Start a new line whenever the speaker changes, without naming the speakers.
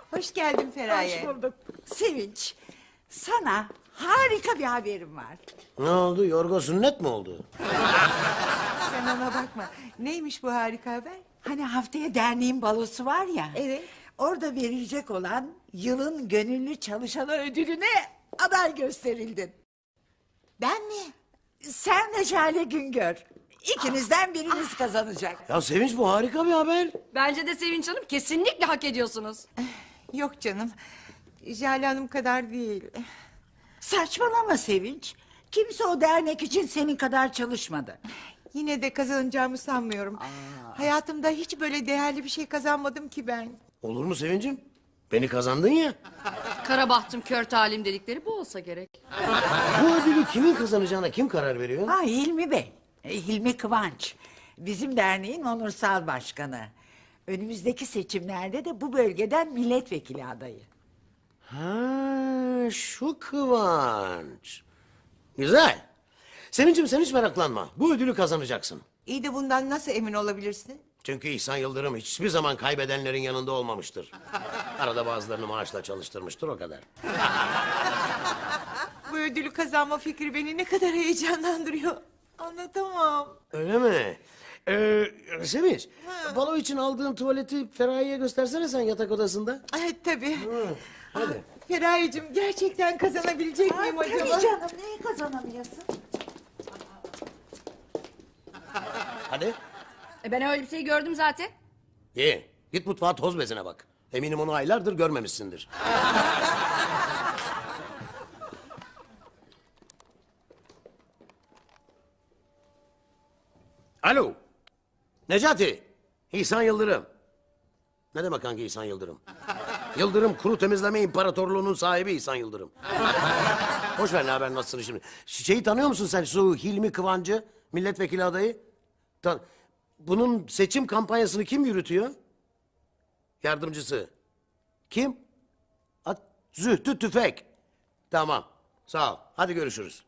Hoş geldin Feraye.
Hoş bulduk. Sevinç, sana harika bir haberim var.
Ne oldu? Yorgo sünnet mi oldu?
Sen ona bakma. Neymiş bu harika haber?
Hani haftaya derneğin balosu var ya.
Evet.
Orada verilecek olan yılın gönüllü çalışanı ödülüne aday gösterildin.
Ben mi?
Sen ve Jale Güngör. İkinizden biriniz kazanacak.
Ya Sevinç, bu harika bir haber.
Bence de Sevinç Hanım kesinlikle hak ediyorsunuz.
Yok canım. Jale Hanım kadar değil.
Saçmalama Sevinç. Kimse o dernek için senin kadar çalışmadı.
Yine de kazanacağımı sanmıyorum. Hayatımda hiç böyle değerli bir şey kazanmadım ki ben.
Olur mu Sevincim? Beni kazandın ya.
Kara bahtım kör talim dedikleri bu olsa gerek.
Bu ödülü kimin kazanacağına kim karar veriyor?
Ha Hilmi Bey. Hilmi Kıvanç. Bizim derneğin onursal başkanı. Önümüzdeki seçimlerde de bu bölgeden milletvekili adayı.
Ha, şu Kıvanç. Güzel. Sevincim, sen hiç meraklanma. Bu ödülü kazanacaksın.
İyi de bundan nasıl emin olabilirsin?
Çünkü İhsan Yıldırım hiçbir zaman kaybedenlerin yanında olmamıştır. Arada bazılarını maaşla çalıştırmıştır, o kadar.
Bu ödülü kazanma fikri beni ne kadar heyecanlandırıyor. Anlatamam.
Öyle mi? Sevinç, balo için aldığın tuvaleti Feraye'ye göstersene sen yatak odasında.
Evet tabii.
Hadi.
Feraye'cim gerçekten kazanabilecek miyim acaba?
Tabii canım neyi kazanamıyorsun?
Hadi.
Ben öyle bir şey gördüm zaten.
İyi. Git mutfağa toz bezine bak. Eminim onu aylardır görmemişsindir. Alo. Necati. İhsan Yıldırım. Ne demek hangi İhsan Yıldırım? Yıldırım Kuru Temizleme İmparatorluğu'nun sahibi İhsan Yıldırım. Boş ver, ne haber, nasılsın şimdi? Şeyi tanıyor musun sen, şu Hilmi Kıvancı, milletvekili adayı? Bunun seçim kampanyasını kim yürütüyor? Yardımcısı. Kim? Zühtü Tüfek. Tamam, sağ ol. Hadi görüşürüz.